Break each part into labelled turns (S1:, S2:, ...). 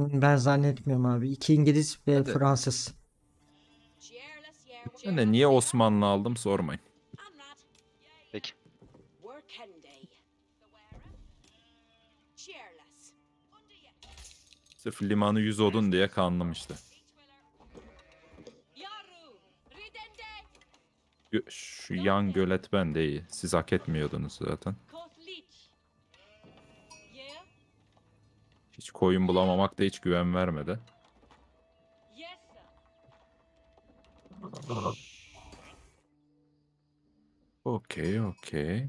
S1: Ben zannetmiyorum abi. İki İngiliz ve
S2: Hadi.
S1: Fransız.
S2: Ben de niye Osmanlı aldım sormayın.
S3: Peki.
S2: Sırf limanı 100 odun diye kandım işte. Şu yan gölet bende iyi. Siz hak etmiyordunuz zaten. Hiç koyun bulamamak da hiç güven vermedi. Okey, okey.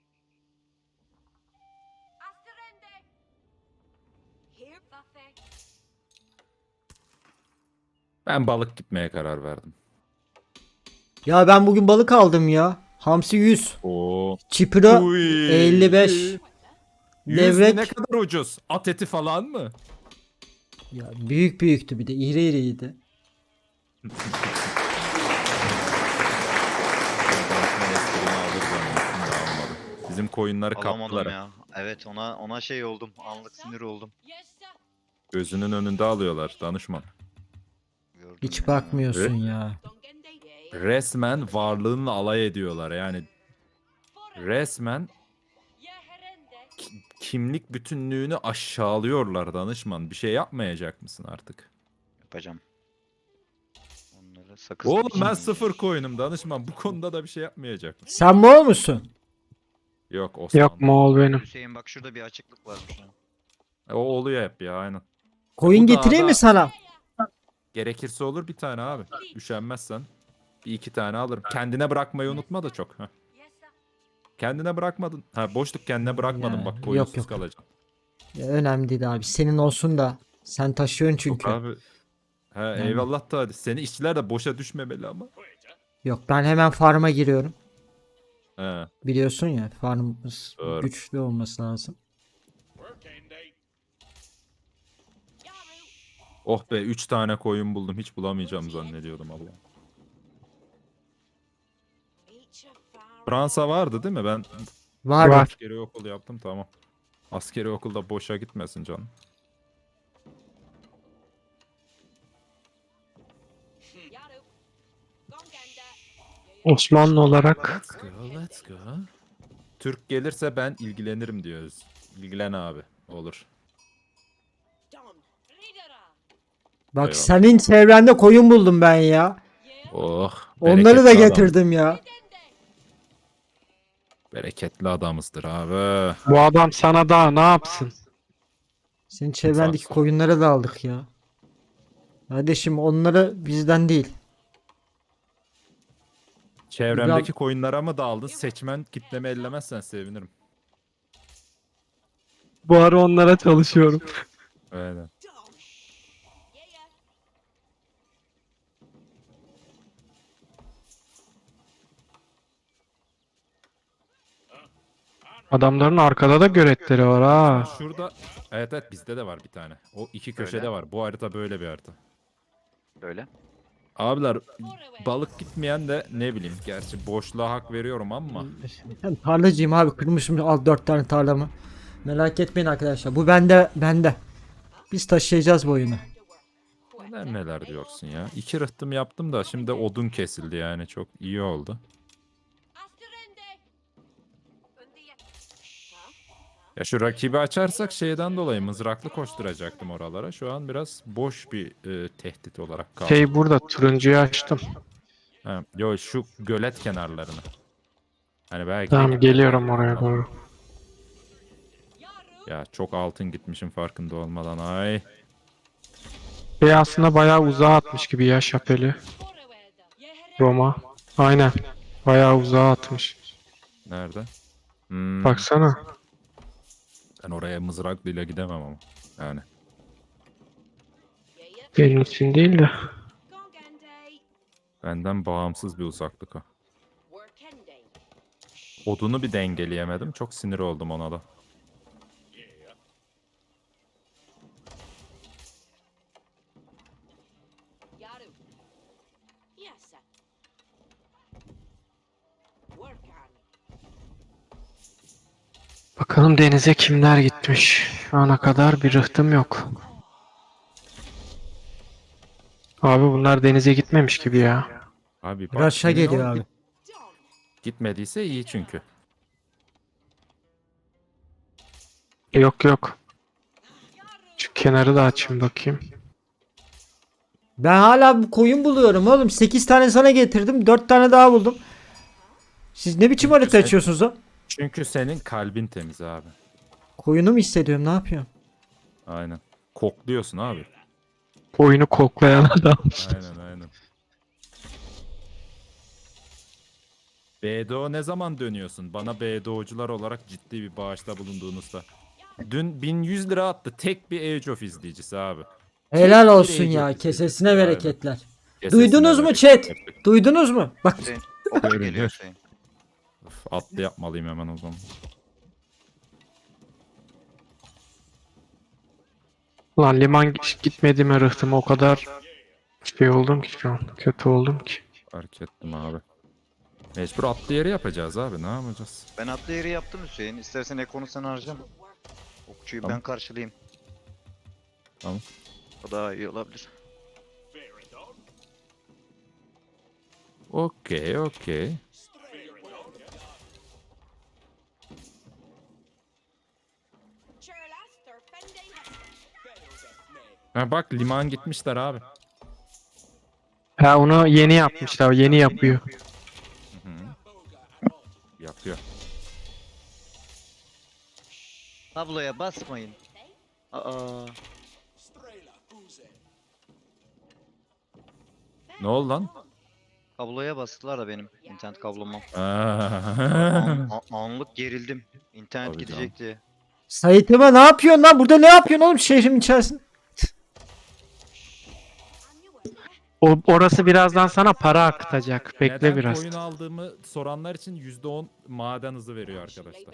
S2: Ben balık gitmeye karar verdim.
S1: Ya ben bugün balık aldım ya. Hamsi 100.
S2: Oo.
S1: Çipiro
S2: Uy.
S1: 55.
S2: 100
S1: Levrek.
S2: ne kadar ucuz? At eti falan mı?
S1: Ya büyük büyüktü bir de. İri iriydi.
S2: Ben senin esprini alır zannettim de almadım. Bizim koyunları
S3: Alamadım
S2: kaptılar.
S3: ya. Evet, ona şey oldum. Anlık sinir oldum.
S2: Gözünün önünde alıyorlar danışman.
S3: Gördüm
S1: Hiç
S3: ya.
S1: bakmıyorsun ya.
S2: Resmen varlığınla alay ediyorlar yani. Resmen kimlik bütünlüğünü aşağılıyorlar danışman. Bir şey yapmayacak mısın artık?
S3: Yapacağım. Onları sakız
S2: Oğlum
S3: gibi
S2: ben
S3: çiğneyeceğim.
S2: sıfır koyunum danışman. Bu konuda da bir şey yapmayacak mısın?
S1: Sen Moğol musun?
S2: Yok Osman.
S4: Yok Moğol benim.
S3: Hüseyin bak şurada bir açıklık varmış. Ha.
S2: O oluyor hep ya aynen.
S1: Koyun
S2: Bu
S1: getireyim
S2: dağda-
S1: mi sana?
S2: Gerekirse olur bir tane abi. Üşenmezsen. Bir iki tane alırım. Kendine bırakmayı unutma da çok. Heh. Kendine bırakmadın. Ha boşluk kendine bırakmadın
S1: Ya,
S2: bak
S1: yok,
S2: koyunsuz
S1: yok.
S2: kalacaksın.
S1: Ya, önemli değil abi. Senin olsun da. Sen taşıyorsun çünkü.
S2: Abi. Ha, eyvallah da hadi. Seni işçiler de boşa düşmemeli ama.
S1: Yok ben hemen farma giriyorum.
S2: He.
S1: Biliyorsun ya farmımız
S2: Doğru.
S1: güçlü olması lazım.
S2: Oh be 3 tane koyun buldum. Hiç bulamayacağım zannediyordum Allah. Fransa vardı değil mi? Ben
S1: Var
S4: Var.
S1: var.
S2: askeri okul yaptım tamam. Askeri okulda boşa gitmesin canım.
S4: Osmanlı olarak
S2: Let's go, let's go. Türk gelirse ben ilgilenirim diyoruz. İlgilen abi. Olur.
S1: Bak
S2: Eyvallah.
S1: senin çevrende koyun buldum ben ya.
S2: Oh.
S1: Onları da
S2: bereketli
S1: getirdim ya.
S2: Bereketli adamızdır abi.
S4: bu adam sana daha ne yapsın?
S1: Senin çevrendeki
S2: Sağ ol.
S1: koyunları da aldık ya. Kardeşim onları bizden değil.
S2: Çevremdeki koyunlara mı daldın? Seçmen kitlemi ellemezsen sevinirim.
S4: Bu ara onlara çalışıyorum.
S2: Aynen.
S4: Adamların arkada da göletleri var ha.
S2: Şurada evet evet bizde de var bir tane. O iki köşede
S3: Öyle.
S2: var. Bu harita böyle bir harita.
S3: Böyle.
S2: Abiler balık gitmeyen de ne bileyim. Gerçi boşluğa hak veriyorum ama.
S1: Ben tarlacıyım abi. Kırmışım al 4 tane tarlamı. Merak etmeyin arkadaşlar. Bu bende. Biz taşıyacağız bu oyunu.
S2: Neler neler diyorsun ya. 2 rıhtım yaptım da şimdi odun kesildi yani. Çok iyi oldu. Ya şu rakibi açarsak şeyden dolayı mızraklı koşturacaktım oralara. Şu an biraz boş bir tehdit olarak kaldı.
S4: Şey burada turuncuyu açtım.
S2: Ha, yo şu gölet kenarlarını. Hani belki
S4: Tamam geliyorum oraya doğru.
S2: ya çok altın gitmişim farkında olmadan. Ay.
S4: Şey aslında bayağı uzağa atmış gibi ya şapeli. Roma. Aynen. Bayağı uzağa atmış.
S2: Nerede? Hmm,
S4: Baksana.
S2: ben oraya mızraklıyla gidemem ama. Yani.
S4: Benim için değil de.
S2: Benden bağımsız bir uzaklık o. Odunu bir dengeleyemedim. Çok sinir oldum ona da.
S4: Bakalım denize kimler gitmiş. Şu ana kadar bir rıhtım yok. Abi bunlar denize gitmemiş gibi ya.
S2: Abi bak,
S1: Raşa
S2: emin ol,
S1: geliyor abi.
S2: gitmediyse iyi çünkü.
S4: Yok yok. Şu kenarı da açayım bakayım.
S1: Ben hala bu koyun buluyorum oğlum. 8 tane sana getirdim. 4 tane daha buldum. Siz ne biçim harita
S2: sen-
S1: açıyorsunuz o?
S2: Çünkü senin kalbin temiz abi.
S1: Koyunu mu hissediyorum, ne yapıyorum?
S2: Aynen. Kokluyorsun abi.
S4: Oyunu koklayan adam.
S2: Aynen. BDO ne zaman dönüyorsun? Bana BDO'cular olarak ciddi bir bağışta bulunduğunuzda. Dün 1100 lira attı tek bir Age of izleyicisi abi.
S1: Helal
S2: bir
S1: olsun
S2: Age
S1: ya.
S2: of
S1: Kesesine
S2: izleyicisi.
S1: bereketler.
S2: Kesesine
S1: Duydunuz mu
S2: bereket.
S1: chat?
S2: Yapacak-
S1: Duydunuz mu? Bak
S3: Hüseyin. Okçu geliyor
S2: Görünüyor.
S3: Hüseyin.
S2: Of, atlı yapmalıyım hemen o zaman.
S4: Lan liman gitmediğime rıhtıma o kadar şey oldum ki şu an. Kötü oldum ki.
S2: Fark ettim abi. Mecbur atlı yeri yapacağız abi, ne yapacağız?
S3: Ben atlı yeri yaptım Hüseyin. İstersen ekonu sen harcama. Okçuyu
S2: Tamam.
S3: ben karşılayayım.
S2: Tamam.
S3: O daha iyi olabilir.
S2: Okey. Ha bak, liman gitmişler abi.
S4: Ha onu yeni yapmışlar. Yeni yapıyor.
S2: Hı. Yapıyor.
S3: Tabloya basmayın. Aa.
S2: Ne oldu lan?
S3: Kabloya bastılar da benim internet kabloma.
S2: Aa.
S3: Anlık gerildim. İnternet
S2: Tabii
S3: gidecek diye.
S1: Sait'ime ne yapıyorsun lan? Burada ne yapıyorsun oğlum şehrin içerisinde?
S4: Orası birazdan sana para akıtacak. Bekle
S2: Neden
S4: biraz.
S2: koyun aldığımı soranlar için %10 maden hızı veriyor arkadaşlar.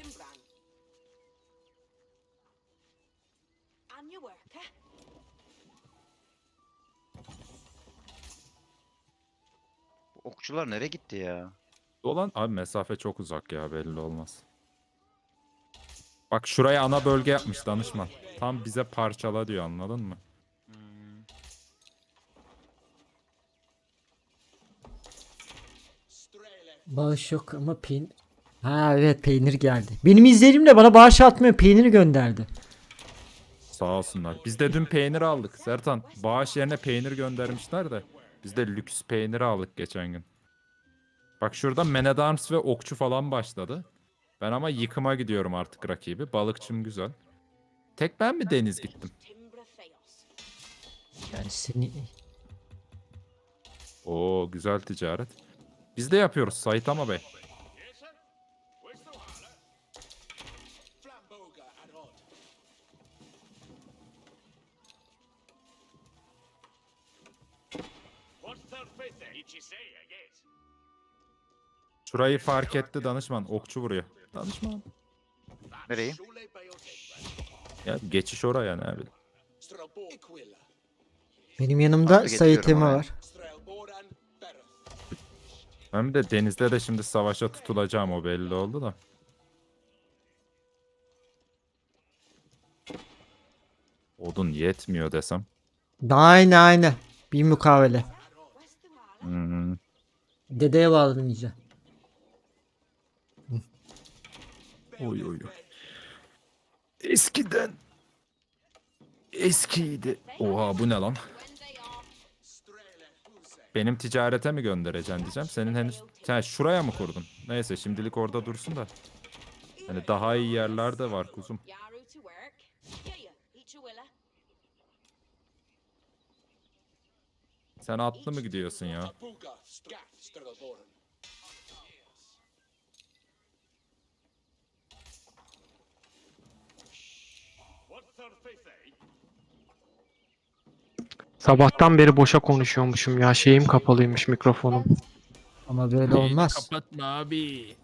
S3: Bu okçular nereye gitti ya?
S2: Dolan abi, mesafe çok uzak ya, belli olmaz. Bak şuraya ana bölge yapmış danışman. Tam bize parçala diyor, anladın mı?
S3: Hmm.
S1: Bağış yok ama peynir. Ha evet, peynir geldi. Benim izleyicim de bana bağış atmıyor, peyniri gönderdi.
S2: Sağ olsunlar. Biz de dün peynir aldık. Sertan, bağış yerine peynir göndermişler de. Biz de lüks peyniri aldık geçen gün. Bak şurada Man at Arms ve okçu falan başladı. Ben ama yıkıma gidiyorum artık rakibi. Balıkçım güzel. Tek ben mi deniz gittim?
S1: Yani seni...
S2: Oo, güzel ticaret. Biz de yapıyoruz Saitama Bey. Şurayı fark etti danışman. Okçu vuruyor. Danışman.
S3: Nereyi?
S2: Ya geçiş oraya, ne bileyim.
S1: Benim yanımda
S3: Atlı getiriyorum
S1: Sait'ime
S3: oraya.
S1: var.
S2: Ben de denizde de şimdi savaşa tutulacağım, o belli oldu da. Odun yetmiyor desem.
S1: Aynen. Bir mukavele.
S2: Hmm.
S1: Dedeye bağladım iyice.
S2: Oy. Eskiydi. Oha, bu ne lan? Benim ticarete mi göndereceksin diyeceğim. Senin henüz... Sen şuraya mı kurdun? Neyse, şimdilik orada dursun da. Hani daha iyi yerler de var kuzum. Sen atlı mı gidiyorsun ya?
S4: Sabahtan beri boşa konuşuyormuşum ya. Şeyim kapalıymış, mikrofonum.
S1: Ama böyle olmaz.
S2: Kapatma abi.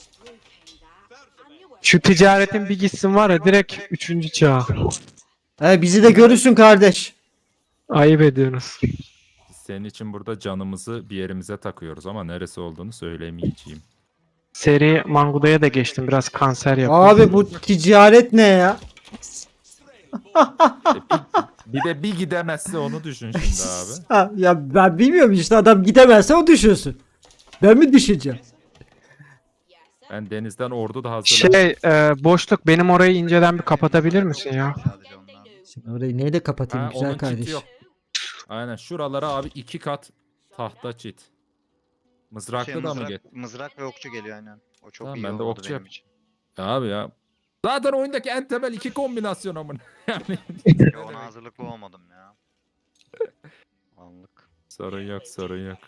S4: Şu ticaretin bir gitsin var ya, direkt 3. çağ.
S1: Bizi de görürsün kardeş.
S4: Ayıp ediyorsunuz.
S2: Biz senin için burada canımızı bir yerimize takıyoruz ama neresi olduğunu söylemeyeceğim.
S4: Seri Manguda'ya da geçtim. Biraz kanser yapıyor.
S1: Abi bu ticaret ne ya?
S2: Bir gidemezse onu düşün şimdi abi.
S1: Ha, ya ben bilmiyorum işte, adam gidemezse o düşünsün. Ben mi düşeceğim?
S2: Ben denizden ordu da hazırladım.
S4: Boşluk benim orayı inceden bir kapatabilir misin ya?
S3: Sadece onlar.
S1: Şimdi orayı neyle kapatayım
S2: Ha,
S1: güzel
S2: onun çiti
S1: kardeş?
S2: yok. Aynen şuralara abi 2 kat tahta çit. Mızraklı da mı get?
S3: Mızrak ve okçu geliyor aynen. O çok
S2: Tamam,
S3: iyi
S2: ben de
S3: oldu
S2: okçu
S3: benim
S2: yap-
S3: için.
S2: Ya abi ya. Zaten oyundaki en temel iki kombinasyon amın. Yani
S3: Ya ona hazırlıklı olmadım ya. Anlık.
S2: sorun yok, sorun yok.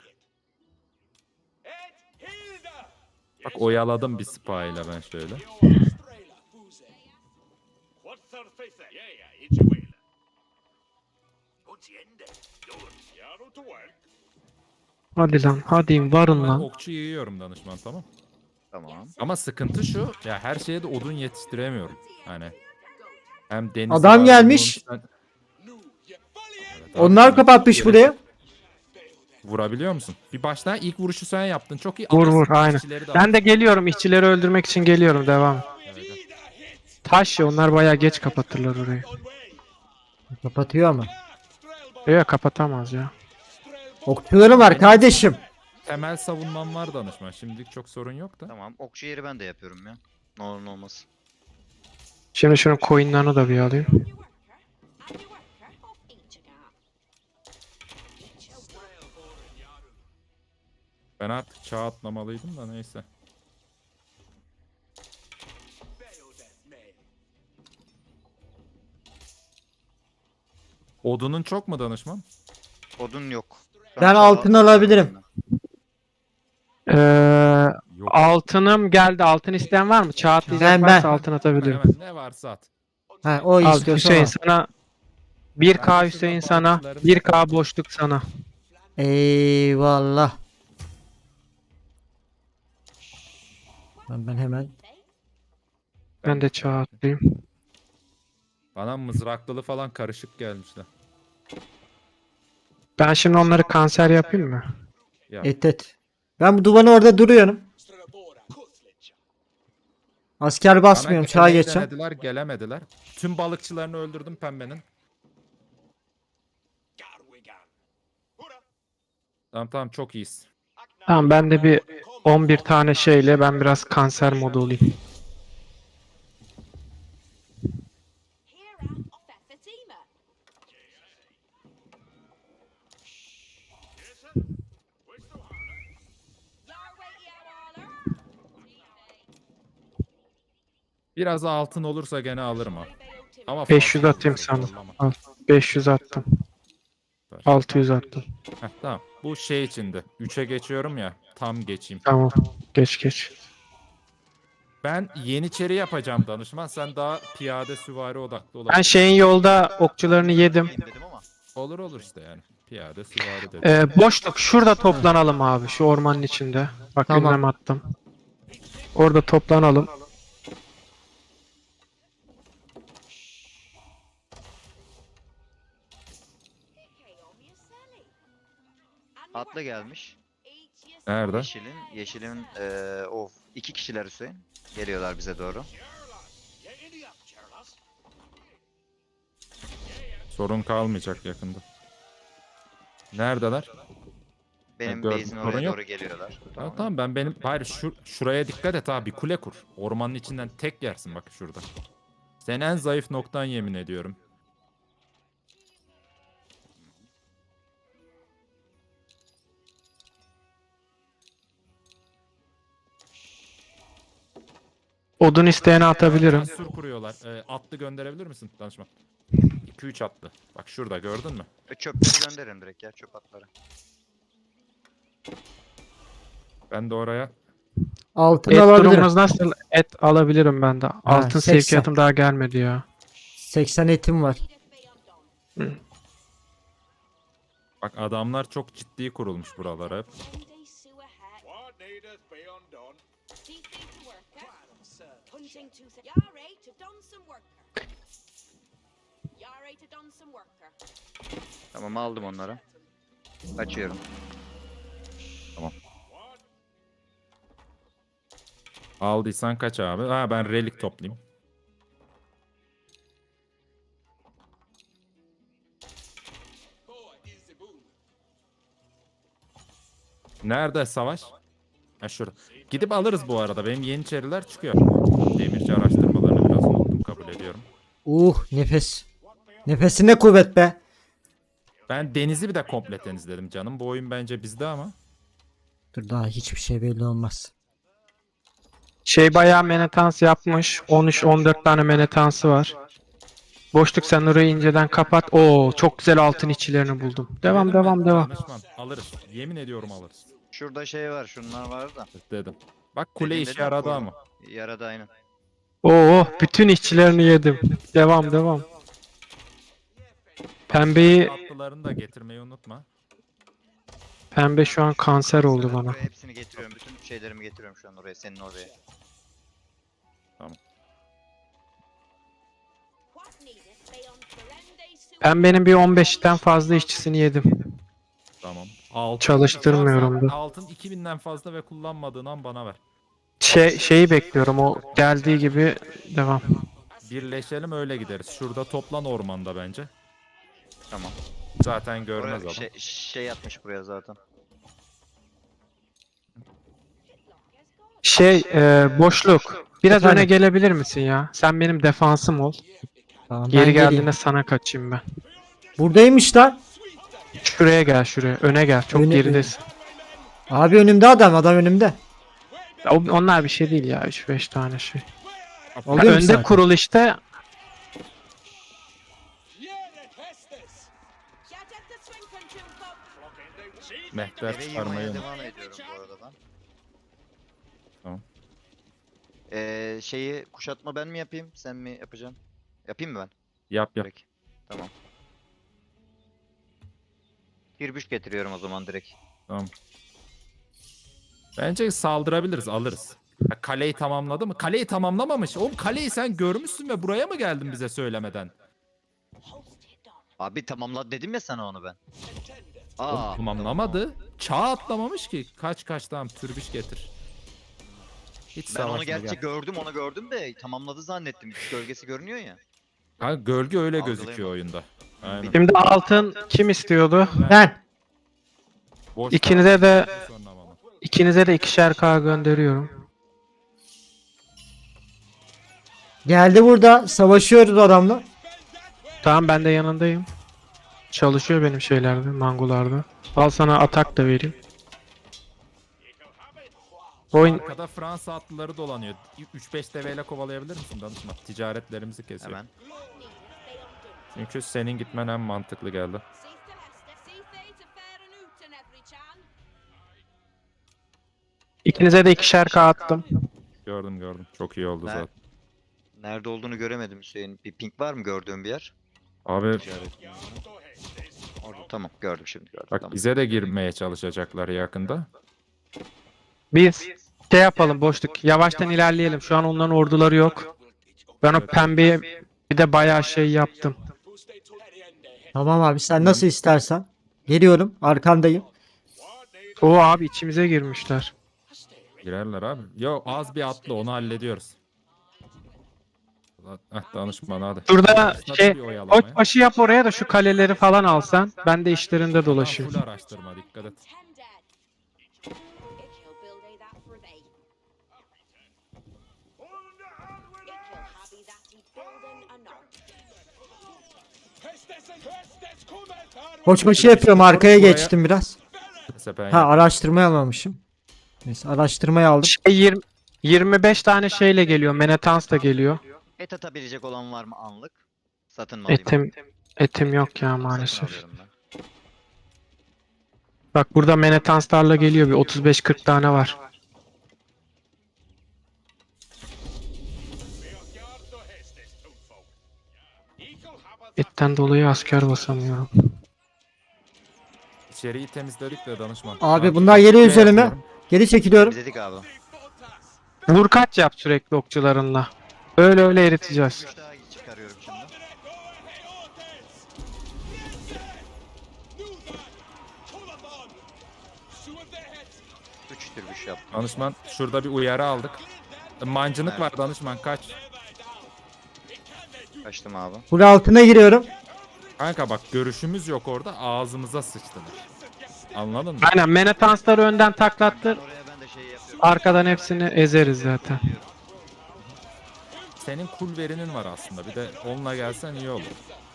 S2: Bak oyaladım bir spa ile ben şöyle.
S4: Hadi lan hadi varın
S2: Ben
S4: lan.
S2: okçu yiyorum danışman, tamam.
S3: Tamam.
S2: Ama sıkıntı şu, ya her şeye de odun yetiştiremiyorum. Hani hem deniz
S1: Adam
S2: var,
S1: gelmiş.
S2: bunun sen- Evet abi,
S1: Onlar
S2: demek
S1: kapatmış
S2: ki
S1: buraya.
S2: vurabiliyor musun? Bir baştan ilk vuruşu sen yaptın. Çok iyi.
S4: Vur
S2: Alırsın,
S4: vur aynen.
S2: işçileri de
S4: Ben de
S2: alırsın.
S4: geliyorum işçileri öldürmek için geliyorum devam.
S2: Evet, evet.
S4: Taş ya onlar bayağı geç kapatırlar orayı.
S1: Kapatıyor ama.
S4: Yok kapatamaz ya.
S1: Okçuları var kardeşim.
S2: Temel savunmam var danışman. Şimdilik çok sorun yok da.
S3: Tamam. Okçu yeri ben de yapıyorum ya. Ne olur ne olmaz.
S4: Şimdi şunun coin'larını da bir alayım.
S2: Ben artık çağ atlamalıydım da neyse. Odunun çok mu danışman?
S3: Odun yok.
S1: Ben altın alabilirim.
S4: Ee,
S2: Yok.
S4: altınım geldi. Altın isteyen var mı? Çağ atlayacak
S1: Ben-
S4: varsa
S1: ben.
S4: altın atabilirim.
S2: Hemen ne varsa at.
S1: Ha, o
S4: Al
S1: istiyorsa
S4: Hüseyin
S1: al.
S4: sana
S2: Ben
S4: 1K
S2: de
S4: Hüseyin
S2: şurada
S4: sana
S2: balıkçıların
S4: 1K boşluk sana.
S1: Eyvallah. Ben hemen
S4: Ben de çağ atlayayım.
S2: Bana mızraklılı falan karışık gelmişler.
S4: Ben şimdi onları kanser yapayım mı?
S2: Ya
S1: et. Ben bu duvarın orada duruyorum. Asker basmıyorum, çağa
S2: gelmeyi
S1: geçeceğim.
S2: denediler, gelemediler. Tüm balıkçılarını öldürdüm pembenin. Tamam tamam, çok iyiyiz.
S4: Tamam ben de bir 11 tane şeyle ben biraz kanser modu olayım.
S2: Biraz altın olursa gene alırım ha. Ama
S4: 500
S2: fazla
S4: atayım
S2: olur,
S4: sana.
S2: zorlama.
S4: Al. 500 attım.
S2: Ver.
S4: 600 attım.
S2: Heh, tamam. Bu şey içinde. 3'e geçiyorum ya. Tam geçeyim.
S4: Tamam. Geç geç.
S2: Ben yeniçeri yapacağım danışman. Sen daha piyade süvari odaklı
S4: Ben
S2: olabilirsin.
S4: şeyin yolda okçularını yedim.
S3: Dedim ama.
S2: Olur olur işte yani. Piyade süvari dedi.
S4: Boşluk şurada toplanalım abi şu ormanın içinde. Bak
S1: Tamam.
S4: ünlem attım. Orada toplanalım.
S3: Atlı gelmiş.
S2: Nerede?
S3: Yeşilin of. 2 kişiler Hüseyin. Geliyorlar bize doğru.
S2: Sorun kalmayacak yakında. Neredeler?
S3: Benim
S2: gördüm,
S3: base'in
S2: sorun
S3: oraya
S2: yok.
S3: doğru geliyorlar.
S2: Tamam tamam, hayır şuraya dikkat et abi, kule kur. Ormanın içinden tek yersin bak şurada. Sen en zayıf noktan, yemin ediyorum.
S4: Odun isteyene atabilirim.
S2: Sur kuruyorlar. Atlı gönderebilir misin danışman? 2-3 atlı. Bak şurada, gördün mü?
S3: Çöpleri gönderin direkt ya, çöp atları.
S2: Ben de oraya.
S1: Altın
S4: Et
S1: alabilirim.
S4: durumumuz nasıl? Et alabilirim ben de. Altın
S1: 80.
S4: sevkiyatım daha gelmedi ya.
S1: 80 etim var.
S2: Bak adamlar çok ciddi kurulmuş buralara hep.
S3: Tamam, aldım onları. Açıyorum.
S2: Aldıysan kaç abi? Ha, ben relik toplayayım. Nerede savaş? Ha şurada. Gidip alırız bu arada. Benim yeniçeriler çıkıyor. Demirci araştırmalarını biraz unuttum, kabul ediyorum.
S1: Nefes. Nefesine kuvvet be.
S2: Ben denizi bir de komple temizledim canım. Bu oyun bence bizde ama.
S1: Dur daha hiçbir şey belli olmaz.
S4: Şey bayağı menetans yapmış. 13-14 tane menetansı var. Boşluk sen orayı inceden kapat. Oo çok güzel altın içilerini buldum. Devam
S2: Dedim
S4: devam
S2: ben,
S4: devam.
S2: danışman, alırız. Yemin ediyorum alırız.
S3: Şurada şey var, şunlar var da.
S2: Dedim. Bak kule
S3: Dedim,
S2: işe
S3: dedim,
S2: yaradı
S3: bu-
S2: ama.
S3: Yaradı aynen.
S4: Oo bütün işçilerini yedim. Devam devam. Pembeyi
S2: Tatlılarını da getirmeyi unutma.
S4: pembe şu an kanser oldu bana.
S3: Buraya hepsini getiriyorum. Bütün şeylerimi getiriyorum şu an oraya, senin oraya.
S4: Pembenin bir 15'ten fazla işçisini yedim.
S2: Tamam. Altın,
S4: Çalıştırmıyorum
S2: Varsa
S4: da.
S2: altın 2000'den fazla ve kullanmadığın an bana ver.
S4: Şeyi bekliyorum o geldiği gibi devam.
S2: Birleşelim öyle gideriz. Şurada toplan ormanda bence.
S3: Tamam.
S2: Zaten görmez
S3: Oraya
S2: adam.
S3: şey yapmış buraya zaten.
S4: Boşluk. Biraz
S1: Efendim?
S4: öne gelebilir misin ya? Sen benim defansım ol.
S1: Tamam,
S4: Geri
S1: ben geleyim.
S4: geldiğinde sana kaçayım ben.
S1: Buradaymış lan.
S4: Şuraya gel şuraya. Öne gel. Çok
S1: Öne-
S4: geridesin.
S1: Abi önümde adam önümde.
S4: Onlar bir şey değil ya. 3-5 tane şey.
S1: Oluyor
S4: Önde
S1: zaten.
S4: kurul işte.
S2: Mehter
S3: Eve
S2: çıkarmayı
S3: yığmaya
S2: unut.
S3: devam ediyorum bu arada ben.
S2: Tamam.
S3: Şeyi kuşatma ben mi yapayım, sen mi yapacaksın? Yapayım mı ben?
S2: Yap yap.
S3: Peki. Tamam. Tirbüş getiriyorum o zaman direkt.
S2: Tamam. Bence saldırabiliriz, alırız. Ha, kaleyi tamamladı mı? Kaleyi tamamlamamış. Oğlum kaleyi sen görmüşsün ve buraya mı geldin bize söylemeden?
S3: Abi tamamla dedim ya sana onu ben.
S2: Oğlum, tamamlamadı. Çağ atlamamış ki. Kaç tamam türbüş getir. Hiç
S3: Ben onu
S2: savaşma
S3: gerçi
S2: gel.
S3: onu gördüm de tamamladı zannettim. Gölgesi görünüyor ya.
S2: Ha, gölge öyle
S3: Algılayamadım.
S2: gözüküyor oyunda. Aynen.
S4: Şimdi altın kim istiyordu?
S1: Ben.
S2: Boş
S4: İkinize de
S2: kaldı sonra ama.
S4: ikinize de 2'şer K gönderiyorum.
S1: Geldi burada. Savaşıyoruz adamla.
S4: Tamam ben de yanındayım. Çalışıyor benim şeylerde, mangularda. Al sana atak da vereyim. Oyun
S2: Arkada Fransa atlıları dolanıyor. 3-5 deveyle kovalayabilir misin danışma? Ticaretlerimizi kesiyor.
S3: Hemen.
S2: Çünkü senin gitmen en mantıklı geldi.
S4: ikinize de 2'şer K attım.
S2: Gördüm. Çok iyi oldu
S3: Ne-
S2: zaten.
S3: Nerede olduğunu göremedim Hüseyin. Bir ping var mı gördüğün bir yer?
S2: Abi
S3: Ticaret. Orada tamam gördüm şimdi gördüm.
S2: bak
S3: Tamam.
S2: bize de girmeye çalışacaklar yakında.
S4: Biz şey yapalım boşluk. Yavaştan ilerleyelim. Şu an onların orduları yok. Ben o pembeye bir de bayağı şey yaptım.
S1: Tamam abi sen nasıl istersen. Geliyorum. Arkandayım.
S4: O abi içimize girmişler.
S2: Girerler abi. Yo az bir atlı onu hallediyoruz. Danışman hadi.
S4: Şurada
S2: Başladı
S4: şey
S2: bir oyalamaya.
S4: koç başı yap oraya da şu kaleleri falan alsan. Ben de işlerinde
S2: Adam
S4: dolaşayım.
S2: full araştırma dikkat et.
S1: Koçbaşı yapıyorum. Arkaya
S2: Buraya-
S1: geçtim biraz.
S2: Mesela ben
S1: Ha araştırmayı almamışım. Neyse araştırmayı aldım.
S4: Şey 25 tane şeyle geliyor. Menetans da geliyor.
S3: Et atabilecek olan var mı anlık? Satın mı alayım?
S4: Etim yok ya
S3: Satın
S4: maalesef.
S3: alıyorum ben.
S4: Bak burada menetanslarla geliyor bir 35-40 tane var. Etten dolayı asker basamıyorum.
S2: içeriği temizledik de danışman.
S1: Abi
S2: Ben
S1: bunlar geliyor
S2: şey
S1: üzerime.
S2: yapıyorum.
S1: Geri çekiliyorum.
S3: Biz dedik abi.
S4: Vur kaç yap sürekli okçularınla. Öyle eriteceğiz.
S3: 3 daha çıkarıyorum şimdi. Üç türbüş yaptım.
S2: Danışman şurada bir uyarı aldık. Mancınık
S3: Evet.
S2: var danışman kaç.
S3: Kaçtım abi.
S1: Buraya altına giriyorum.
S2: Kanka bak görüşümüz yok orada ağzımıza sıçtılar. Anladın mı?
S4: Aynen Menetansları önden taklattır.
S3: Oraya ben de şey yapıyorum.
S4: Arkadan hepsini ezeriz zaten.
S2: Senin kul verinin var aslında. Bir de onunla gelsen iyi olur.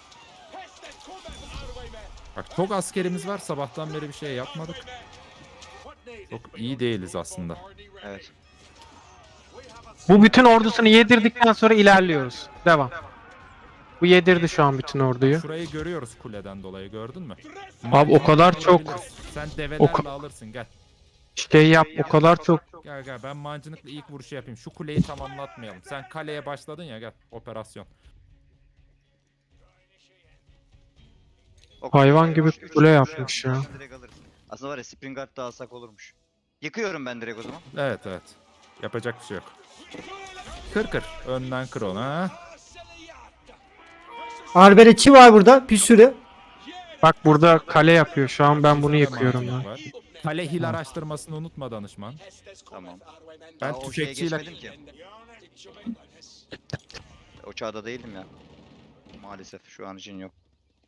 S2: Bak çok askerimiz var. Sabahtan beri bir şey yapmadık. Çok iyi değiliz aslında.
S3: Evet.
S4: Bu bütün ordusunu yedirdikten sonra ilerliyoruz. Devam. Bu yedirdi şu an bütün orduyu.
S2: Şurayı görüyoruz kuleden dolayı, gördün mü?
S4: Abi o kadar çok
S2: Sen
S4: O
S2: develerle
S4: ka-
S2: alırsın, gel.
S4: şey yap, o kadar çok.
S2: Gel gel, ben mancınıkla ilk vuruşu yapayım. Şu kuleyi tamamlatmayalım. Sen kaleye başladın ya, gel. Operasyon.
S4: Hayvan gibi
S3: Üç
S4: kule
S3: tane
S4: yapmış ya.
S3: direkt alırız. Aslında var ya Springard da alsak olurmuş. Yıkıyorum ben direkt o zaman.
S2: Evet evet. Yapacak bir şey yok. Kır kır. Önden kır onu ha.
S1: Arbeletçi var burada bir sürü.
S4: Bak burada kale yapıyor. Şu an ben bunu
S2: Bizde de
S4: yıkıyorum
S2: mancınık
S4: ben.
S2: var. Kale hil araştırmasını unutma danışman.
S3: Tamam.
S2: Ben
S3: Daha o şeye
S2: tüfekçiyle...
S3: geçmedim ki. O çağda değildim ya. Maalesef şu an için yok.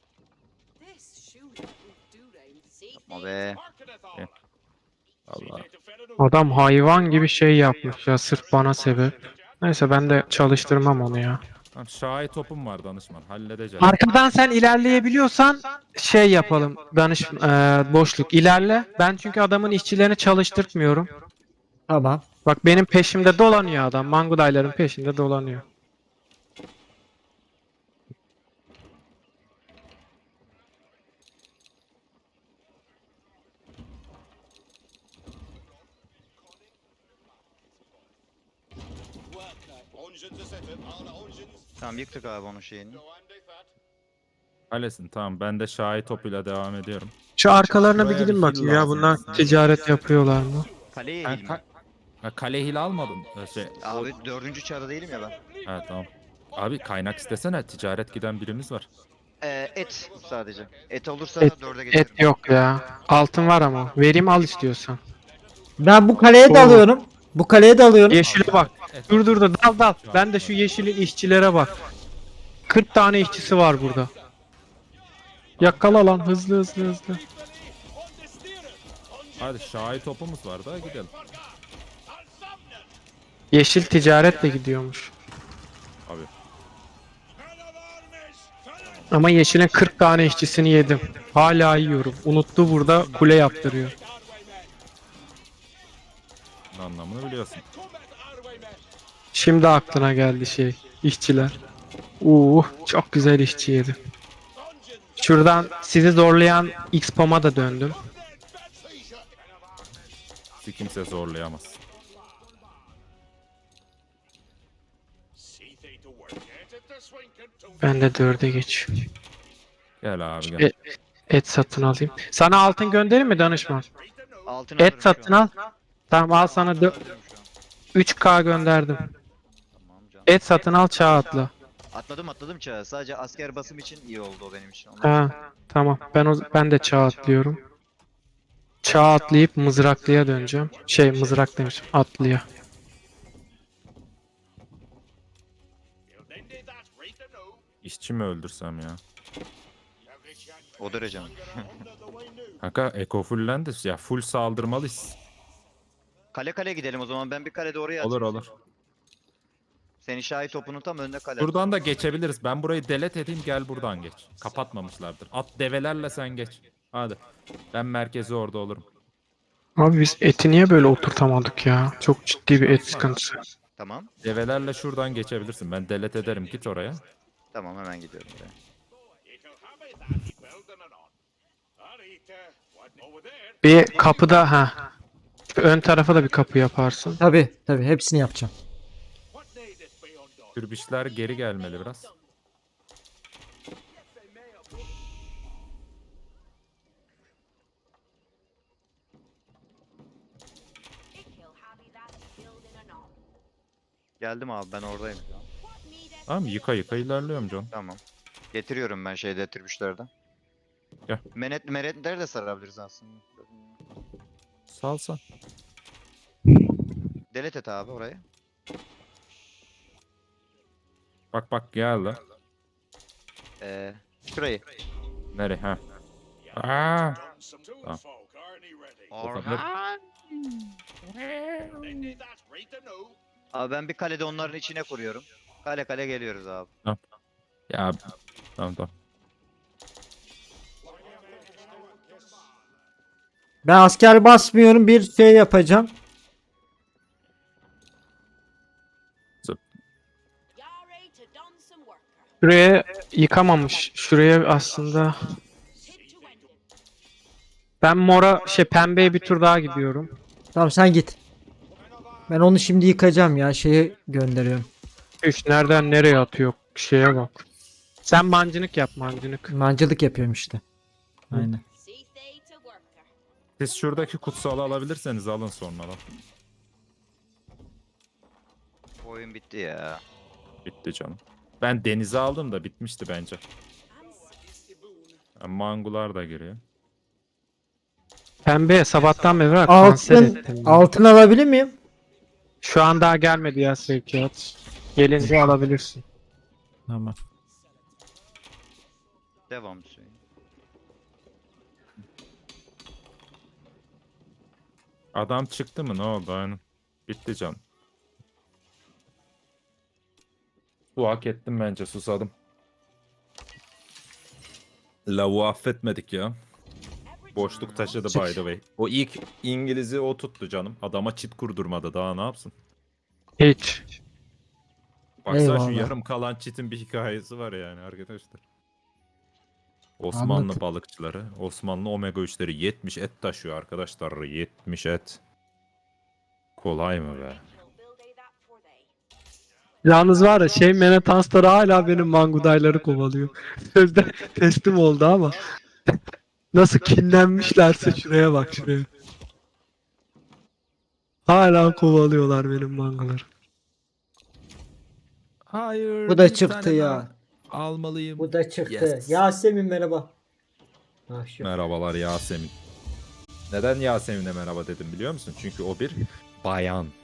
S3: Yapma be.
S2: Allah.
S4: Adam hayvan gibi şey yapmış ya sırf bana sebep. Neyse ben de çalıştırmam onu ya.
S2: Tamam, şahi topum var danışman. Halledeceğim.
S4: Arkadan sen ilerleyebiliyorsan şey yapalım. Boşluk ilerle. Ben çünkü adamın işçilerini çalıştırtmıyorum.
S1: Tamam.
S4: Bak benim peşimde dolanıyor adam. Mangudayların peşinde dolanıyor.
S3: Tamam yıktık abi onun şeyini.
S2: Kalesin, tamam. Ben de şahi topuyla devam ediyorum.
S4: Şu arkalarına bir
S2: Buraya bir
S4: gidin
S2: fil
S4: bakayım ya
S2: lazım
S4: bunlar
S2: aslında.
S4: ticaret yapıyorlar mı?
S3: Kaleye
S2: Ben
S3: eğilme.
S2: kale hil almadın.
S3: Abi 4. çağda değilim ya ben.
S2: Ha tamam. Abi kaynak istesene. Ticaret giden birimiz var.
S3: Et sadece. Et olursa
S4: Et,
S3: 4'e geçerim.
S4: et yok ya. Altın var ama. Vereyim al istiyorsan.
S1: Ben bu kaleye
S4: Oo.
S1: dalıyorum. Bu kaleye dalıyorum.
S4: Yeşile bak. Dur dal. Ben de şu yeşilin işçilere bak. 40 tane işçisi var burada. Yakala lan hızlı.
S2: Hadi şahi topumuz var da gidelim.
S4: Yeşil ticaretle gidiyormuş.
S2: Abi.
S4: Ama yeşilin 40 tane işçisini yedim. Hala yiyorum. Unuttu burada kule yaptırıyor.
S2: Anlamını biliyorsun.
S4: Şimdi aklına geldi şey. İşçiler. Çok güzel işçi yedi. Şuradan sizi zorlayan X-Pom'a da döndüm.
S2: Bizi kimse zorlayamaz.
S4: Ben de 4'e geçiyorum.
S2: Gel abi gel.
S4: E- Et satın alayım. Sana altın göndereyim mi danışman?
S3: Altın
S4: Et
S3: alırım şu
S4: satın
S3: an.
S4: al. Tamam al sana
S3: Altın alırım şu an.
S4: 3K gönderdim.
S3: Tamam canım.
S4: Et satın al çağ atla.
S3: Atladım çağı. Sadece asker basım için iyi oldu o benim için. Ondan
S4: Ha, tamam. Ben de çağ atlıyorum. Çağ atlayıp mızraklıya döneceğim. Mızrak demişim. Atlıya.
S2: İşçi mi öldürsem ya?
S3: o derece mi?
S2: Kanka eko fullendi. Ya full saldırmalıyız.
S3: Kale gidelim o zaman. Ben bir kale doğru açayım.
S2: Olur olur.
S3: Senin şahi topunun tam önünde kale.
S2: Buradan da geçebiliriz. Ben burayı delete edeyim, gel buradan geç. Kapatmamışlardır. At develerle sen geç. Hadi. Ben merkezi orada olurum.
S4: Abi biz eti niye böyle oturtamadık ya? Çok ciddi bir et sıkıntısı.
S3: Tamam.
S2: Develerle şuradan geçebilirsin. Ben delete ederim, git oraya.
S3: Tamam hemen gidiyorum buraya.
S4: Bir kapıda ha. Şu ön tarafa da bir kapı yaparsın.
S1: Tabi hepsini yapacağım.
S2: Türbişler geri gelmeli biraz.
S3: Geldim abi ben oradayım şu an.
S2: Tamam, yıka ilerliyorum John.
S3: Tamam. Getiriyorum ben şeyde tribüşlerden.
S2: Gel.
S3: Menetleri de sarabiliriz aslında.
S2: Salsan.
S3: Delete et abi orayı.
S2: Bak geldi.
S3: Şurayı.
S2: Nereye ha? Aa,
S3: Orhan. Abi ben bir kalede onların içine kuruyorum. Kale kale geliyoruz abi.
S2: Ya tamam.
S1: Ben asker basmıyorum, bir şey yapacağım.
S4: Şuraya yıkamamış. Şuraya aslında ben pembeye bir tur daha gidiyorum.
S1: Tamam sen git. Ben onu şimdi yıkacağım ya, şeye gönderiyorum.
S4: Nereden nereye atıyor? Şeye bak. Sen mancınık yap mancınık.
S1: Mancılık yapıyorum işte. Aynen.
S2: Siz şuradaki kutsalı alabilirseniz alın sonradan.
S3: Oyun bitti ya.
S2: Bitti canım. Ben denize aldım da bitmişti bence. Mangular da giriyor.
S4: Pembeye sabahtan beri var. Kanser
S1: Altın,
S4: ettim.
S1: altın alabilir miyim?
S4: Şu an daha gelmedi ya sevkiyat. Gelince alabilirsin.
S1: Tamam.
S3: Devam Hüseyin.
S2: Adam çıktı mı, ne oldu? Aynen. Bitti canım. Bu hak ettim bence, susadım. Lavu affetmedik ya. Boşluk taşıdı by the way. O ilk İngiliz'i o tuttu canım. Adama çit kurdurmadı, daha ne yapsın?
S4: Hiç.
S2: Baksana şu
S1: Eyvallah.
S2: yarım kalan çitin bir hikayesi var yani arkadaşlar. Osmanlı
S1: Anlat.
S2: balıkçıları, Osmanlı omega 3'leri 70 et taşıyor arkadaşlar. 70 et. Kolay mı be?
S4: Yalnız var ya Menetansları hala benim mangudayları kovalıyor. Sözde teslim oldu ama. Nasıl kinlenmişlerse şuraya bak şuraya. Hala kovalıyorlar benim mangaları.
S2: Hayır.
S1: Bu da çıktı ya.
S2: Almalıyım.
S1: Bu da çıktı.
S2: Yes.
S1: Yasemin merhaba. Ah, şu.
S2: Merhabalar Yasemin. Neden Yasemin'e merhaba dedim biliyor musun? Çünkü o bir bayan.